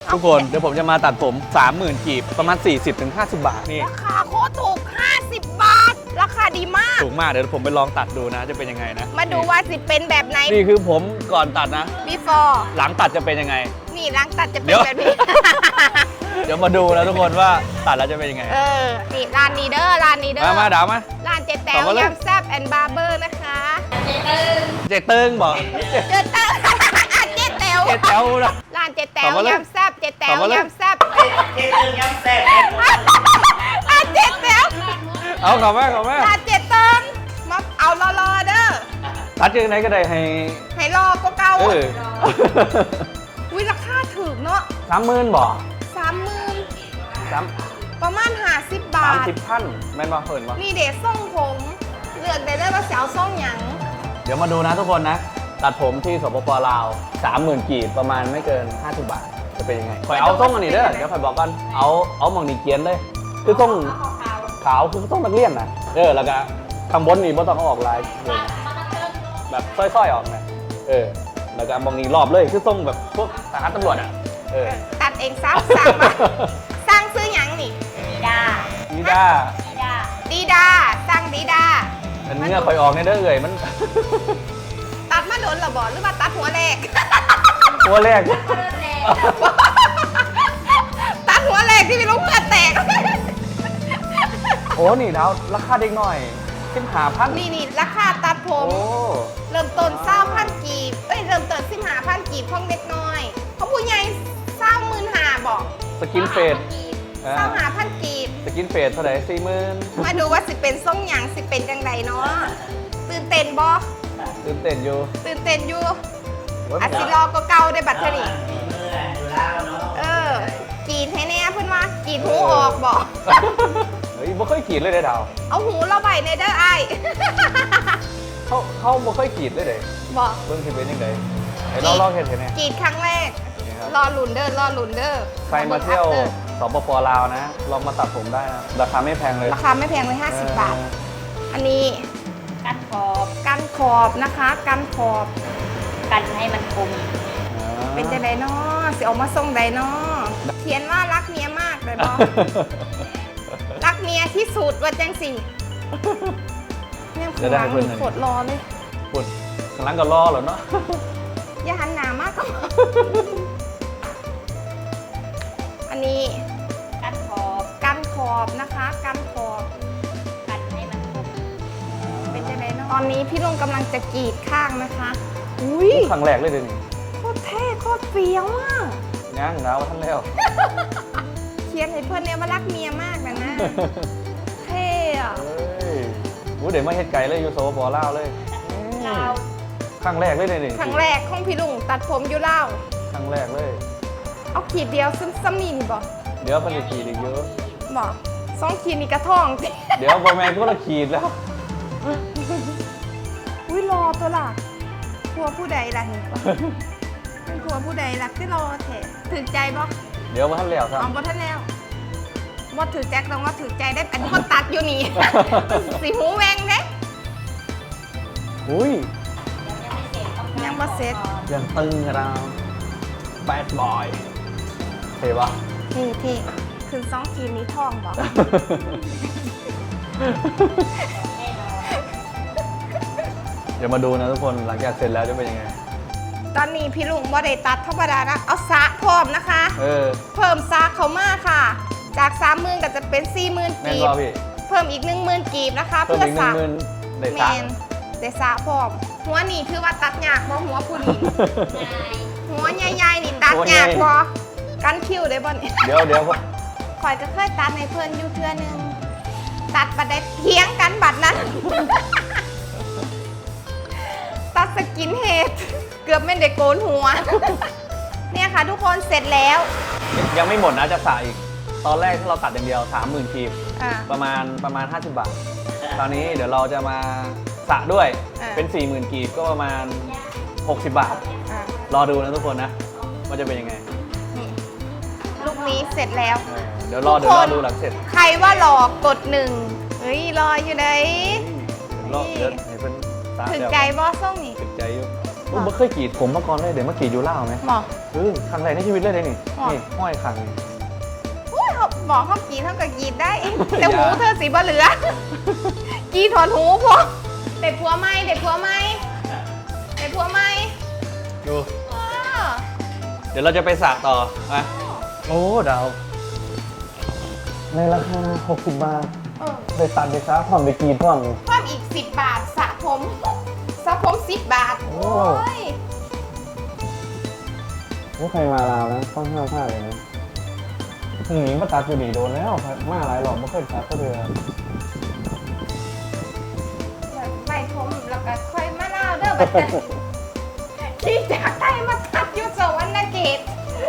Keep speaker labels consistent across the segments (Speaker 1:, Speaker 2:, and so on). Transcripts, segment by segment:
Speaker 1: ทุกคนเดี๋ยวผมจะมาตัดผม 30,000 กีบประมาณ 40-50 บาทนี่
Speaker 2: ราคาโคตรถูก 50 บาท ราคาดีมาก
Speaker 1: ถูกมากเดี๋ยวผมไปลองตัดดูนะจะเป็นยังไงนะ
Speaker 2: มาดูว่าสิเป็นแบบไหน
Speaker 1: นี่คือผมก่อนตัดนะ
Speaker 2: before
Speaker 1: หลังตัดจะเป็นยังไง
Speaker 2: นี่หลังตัดจะเป็
Speaker 1: เดี๋
Speaker 2: น
Speaker 1: ยว
Speaker 2: แบบนี้
Speaker 1: เดี๋ยวมาดูนะทุกคนว่าตัดแล้วจะเป็นยังไง
Speaker 2: นี่ร้านนี้เด้อร้านนี้เด้อ
Speaker 1: มาดาวมา
Speaker 2: ร้านเจ๊แต๋
Speaker 1: ต่
Speaker 2: ว
Speaker 1: อมาเลย
Speaker 2: ยำแซ่บแอนด์บาร์เบอร์นะคะ
Speaker 1: เจเติ้งบอก
Speaker 2: เจ๊แต๋วเจ๊แต๋ว
Speaker 1: เจแต้วนะ
Speaker 2: ร้านเจ๊แต๋
Speaker 1: ต่
Speaker 2: ว
Speaker 1: อมาเลย
Speaker 2: ยำแซ่บเจ๊แต๋
Speaker 1: ต่
Speaker 2: ว
Speaker 1: อมาเลย
Speaker 2: ยำแซ่บ
Speaker 3: เจ๊ตึงย้ำแซ่บ
Speaker 2: ร้านเจ๊แต๋ว
Speaker 1: เอาขอแม่
Speaker 2: ร้านเจ๊เติ้งมาเอารอๆเด้อ
Speaker 1: ตัดยังไงก็ได้ให้
Speaker 2: ให้รอก็เก่า
Speaker 1: เออ
Speaker 2: วิราคาถูกเนาะ
Speaker 1: 30,000บอก
Speaker 2: 30,000
Speaker 1: สาม
Speaker 2: ประมาณ50 บาท
Speaker 1: 30,000แม่นมาเพิ่นวะ
Speaker 2: นี่เด็ส่งผมเลือกได้เลยว่าจะเอาส่งหยัง
Speaker 1: เดี๋ยวมาดูนะทุกคนนะ ตัดผมที่สปปลาว 30,000 กีบประมาณไม่เกิน 50 บาท จะเป็นยังไงคอยเอาส่งอันนี้เด้อเดี๋ยวคอยบอกกันเอาหมองนี่เกียนเลย คือส่งขาวคือส่งนักเรียนนะแล้วก็ข้างบนนี่บ่ต้องเอาออกลายแบบสร้อยๆออกนะแล้วก็มองนี่รอบเลยคือส่งแบบพวกทหารตำรวจอ่ะ
Speaker 2: ตัดเองซ้ำสั่งมาสร้างซื้อหยังนี่
Speaker 1: นี่ด้า
Speaker 2: ดีดาสร้างดีดา
Speaker 1: อันนี้คอยออกในเด้อมัน
Speaker 2: ตัดมาโดนเหรอบอหรือว่าตัดหัวแรก
Speaker 1: ตัวแรก
Speaker 2: ตัดหัวแรกที่มีลูกเพื่อนแตก
Speaker 1: โอ้นี่ดาวราคาเด็กหน่อย15,000
Speaker 2: นี่ราคาตัดผม
Speaker 1: โอ้
Speaker 2: เริ่มต้น20,000 กีบเริ่มต้น15,000 กีบของเด็กน้อยเขาผู้ใหญ่25,000บอก
Speaker 1: สกินเฟด
Speaker 2: 25,000 กีบ
Speaker 1: สกินเฟดเท่าไหร่40,000
Speaker 2: มาดูว่าสิเป็นส่งหยังสิเป็นจังใดเนาะตื่นเต้นบ่
Speaker 1: ตื่นเต้นอยู่
Speaker 2: ตื่นเต้นอยู่
Speaker 1: โอ้ย
Speaker 2: อาสิรอก็เก่าได้บัตรเทอนี่
Speaker 3: อยู่แล้วเนาะ
Speaker 2: กรีดให้แน่เพื่อนว่ากรีดหูออกบอก
Speaker 1: เฮ้ยบ่เคยกรีดเลยเด้อดาว
Speaker 2: เอาหูเราใบในเด้อไอ้าย
Speaker 1: เขาบ่เคยกรีดเลยเด้
Speaker 2: บอก
Speaker 1: เบิ่งสิเป็นจังไดให้เราลองเฮ็ดให้แหน่
Speaker 2: กรีดครั้งแรก
Speaker 1: นี่ครับ
Speaker 2: รอหลุนเด้อรอหลุนเด้อ
Speaker 1: ใครมาเที่ยวสปปลาวนะ ลองมาตัดผมได้นะ ราคาไม่แพงเลย
Speaker 2: ราคาไม่แพงเลย50 บาท อันนี้
Speaker 4: กันขอบ
Speaker 2: กันขอบนะคะกันขอบ
Speaker 4: กันให้มันคม
Speaker 2: เป็นจังไดเนาะสิออกมาส่งใดเนาะเขียนว่ารักเมียมากเลยบอก รักเมียที่สุดว่าจังสิเนี่ยข้างหลังโคตรรอเลย
Speaker 1: ปุ่นกำลังก็รอเหรอเนาะ
Speaker 2: อย่าหันหนามากก็ อันนี้
Speaker 4: กันขอบ
Speaker 2: กันขอบนะคะกันขอบ
Speaker 4: กันให้มันคม
Speaker 2: เป็นจังไดเนาะตอนนี้พี่ลุงกำลังจะกรีดข้างนะคะ อุ้ย
Speaker 1: ครั้งแรกเลยเดี๋ยวนี้
Speaker 2: โคตรเท่โคตรเฟี้ยวอ่ะ
Speaker 1: ย่างดาวท่านแล้ว
Speaker 2: เขียนให้เพื่อนเนี่ยว่ารักเมียมากนะนะ เท่อะ
Speaker 1: เฮ้ยเดี๋ยวมาเฮ็ดไก่เลยอยู่สปปลาวเลย
Speaker 4: เราว
Speaker 1: ครั้งแรกเลยเดี๋ยวนี้
Speaker 2: ครั้งแรกของพี่ลุงตัดผมอยู่เล่าว
Speaker 1: ครั้งแรกเลย
Speaker 2: เอาขีดเดียวซึ่งซ้ำนี่นี่บอก
Speaker 1: เดี๋ยวมันจะขีดอีกเยอะ
Speaker 2: บอกสองขีดนี่กระท่อง
Speaker 1: เดี๋ยวบอแมนก็ละขีดแล้ว
Speaker 2: อุ้ยรอตัวล่ะครัวผู้ใดล่ะเห็นปะเป็นครัวผู้ใดล่ะคือรอแถถึงใจบ่
Speaker 1: เดี๋ยวมาท่านแล้วครับ
Speaker 2: เอาบ่ทันแล้วบ่ถือแจ็คต้องว่าถือใจได้อันนี้ก็ตัดอยู่นี่ สีหูแวงเด้
Speaker 1: อุ้ย
Speaker 2: ยังบ่เสร็จ
Speaker 1: ยังตึงเราแบดบอยเท่ปะ
Speaker 2: ที่คืนสองขีดนี้ท่องบอก
Speaker 1: เดี๋ยวมาดูนะทุกคนหลังจากเสร็จแล้วจะเป็นยังไง
Speaker 2: ตอนนี้พี่ลุงบ่ได้ตัดธรรมดานะเอาสระพร้อมนะคะ เพิ่มสระเขามาค่ะ จาก30,000ก็จะเป็น40,000
Speaker 1: แม่น
Speaker 2: กี
Speaker 1: บ
Speaker 2: บ
Speaker 1: อพี่
Speaker 2: เพิ่มอีก10,000กีบนะคะ
Speaker 1: เพิ่ม
Speaker 2: เพื่อ
Speaker 1: อีก
Speaker 2: สระ
Speaker 1: 10,000ได้
Speaker 2: แม
Speaker 1: สาม
Speaker 2: นได้สระพร้อมหัวนี่คือว่าตัดยากบ่หัวผู้หญิงหัวใหญ่ๆนี่ตัดยากบ่กันคิ้วได้บ่นี่
Speaker 1: เดี๋ยว
Speaker 2: ข่อยก็เคยตัดในเพิ่นอยู่เทื่อนึงตัดบัดได้เถียงกันบัดนั้น ตัดสกินเฮดเกือบไม่ได้โกนหัว เนี่ยค่ะทุกคนเสร็จแล้ว
Speaker 1: ยังไม่หมดนะจะสระอีก ตอนแรกที่เราตัดอย่างเดียว 30,000 กีบ
Speaker 2: อ่า
Speaker 1: ประมาณ 50 บาท ตอนนี้เดี๋ยวเราจะมาสระด้วย
Speaker 2: อ่า
Speaker 1: เป็น 40,000 กีบก็ประมาณ 60 บาท
Speaker 2: อ่าร
Speaker 1: อดูนะทุกคนนะว่าจะเป็นยังไง
Speaker 2: นี่ลูกนี้เสร็จแล้ว
Speaker 1: เดี๋ยวรอดูหลังเสร็จ
Speaker 2: ใครว่าหลอกกด1เฮ้ยรออยู่ไหน
Speaker 1: เดี๋ยวให้เป็นสระ
Speaker 2: ถึง
Speaker 1: เดี๋ยว
Speaker 2: ใจบอส่งนี่
Speaker 1: ถึงใจอยู่ไม่เคยกรีดผมมาก่อนเลยเดี๋ยวมากรีดอยู่ล่าวไหม
Speaker 2: บอก
Speaker 1: ครั้งแรกในชีวิตเลยนี่
Speaker 2: อ๋อ
Speaker 1: นี่ห้อยขัง
Speaker 2: อุ้ยเขาบอกเขากรีดเท่ากับกรีดได้แต่หูเธอสีบะเหลือ กรีดถอนหูพอเด็ดผัวไหมเด็ดผัวไหมเด็ดผัวไหม
Speaker 1: ดู
Speaker 2: เออ
Speaker 1: เดี๋ยวเราจะไปสระต่อนะโอ้ดาวในราคา60 บาท
Speaker 2: เออ
Speaker 1: ไปตัดไปซะผ่อนไปกรีดผ่อน
Speaker 2: เพิ่มอีก 10 บาทสระผม10 บาท
Speaker 1: โอ้
Speaker 2: โอ้ย
Speaker 1: ไม่เคยมาลาวนะต้องห้ามพลาดเลยนะหนีมาตัดอยู่ดีโดนแล้วมาหลายหลอกไม่เคยตัดก็เดือ
Speaker 2: ไปผมแล้วก็ค่อยมาเล่าเด้อบัดนี้ที่จากไทยมาตัดอยู่สวรรณเขต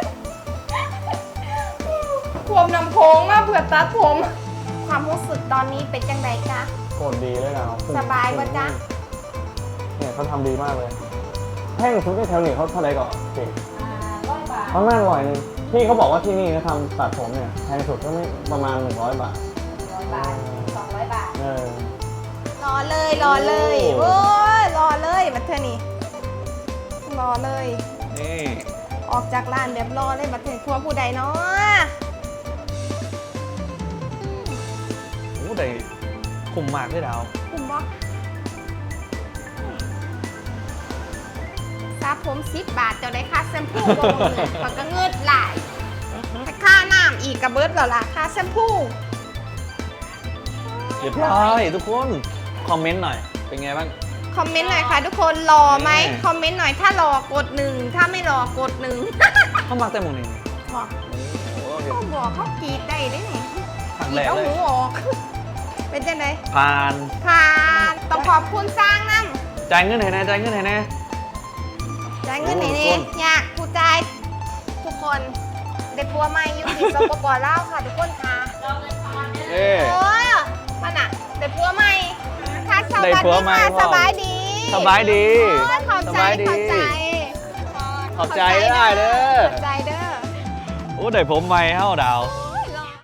Speaker 2: ผมนำโค้งมาเพื่อตัดผม ความรู้สึกตอนนี้เป็นจังไดจ๊ะ
Speaker 1: โคตรดีเลยนะ
Speaker 2: สบายปะจ๊ะ
Speaker 1: เนี่ยเขาทำดีมากเลยแท่งชุดที่แถวนี้เขาเท่าไหร่ก่อนเก่ง
Speaker 4: 100 บาท
Speaker 1: เขาน่าอร่อยนึงพี่เขาบอกว่าที่นี่นะทำตัดผมเนี่ยแพงสุดก็ไม่ประมาณ100 บาท
Speaker 4: 100 บาท 200 บาท
Speaker 2: รอเลยรอเลยโอ้ยรอเลยบัดเทอนี่รอเลย
Speaker 1: นี่
Speaker 2: ออกจากร้านแบบรอเลยบัดเทอทัวผู้ใดเนาะ
Speaker 1: โอ้แต่คุ้มมากเลยดาว
Speaker 2: คุ้มบ่ซาผม10 บาทเจ้าได้ค่าแชมพูบ่หมดเลยขอยก็เงิดหลายแต่ค่าน้ำอีกกระเบิดแล้วล่ะค่าแชมพู
Speaker 1: เรียบร้อยทุกคนคอมเมนต์หน่อยเป็นไงบ้าง
Speaker 2: คอมเมนต์หน่อยค่ะทุกคนรอไหม
Speaker 1: แน่
Speaker 2: คอมเมนต์หน่อยถ้ารอกด1ถ้าไม่รอกด1
Speaker 1: เข้ามาแต่หมงนี่
Speaker 2: บอก
Speaker 1: โอ้โห
Speaker 2: เขาบอกเขากรีดได้ได้ไง
Speaker 1: ครั้ง
Speaker 2: กรี
Speaker 1: แร
Speaker 2: ด
Speaker 1: ก
Speaker 2: เอา
Speaker 1: เล
Speaker 2: หู
Speaker 1: ย
Speaker 2: ออก เป็นจังได
Speaker 1: ผ่าน
Speaker 2: ผ่านต้องขอบคุณสร้างน้
Speaker 1: จ่ายเงินไหนนะจ่ายเงินไหนนะ
Speaker 2: ำจ่ายเงินไหน
Speaker 1: โอ้
Speaker 2: นี่
Speaker 1: ทุกคน
Speaker 2: อยากผู้ใจายทุกคนเด็กปัวใหม่อยู่ที่สปปลาวค่ะทุกคนค่ะ
Speaker 1: เอ้ย
Speaker 2: โอ้ยมันอ่ะเด็กปัวใหม่ค่ะส
Speaker 1: ได้
Speaker 2: วัส
Speaker 1: ผัว
Speaker 2: ดี
Speaker 1: ใหม่
Speaker 2: ค่ะ
Speaker 1: พ่อ
Speaker 2: สบายดี
Speaker 1: สบายดี
Speaker 2: โอ้ยขอบ
Speaker 1: ส
Speaker 2: ใจ
Speaker 1: บายดี
Speaker 2: ขอบใจ
Speaker 1: ขอบใจได้เด้อ
Speaker 2: ขอบใจเด้อ
Speaker 1: โอ้ได้ผมใหม่เฮ้าดาว
Speaker 2: โอ้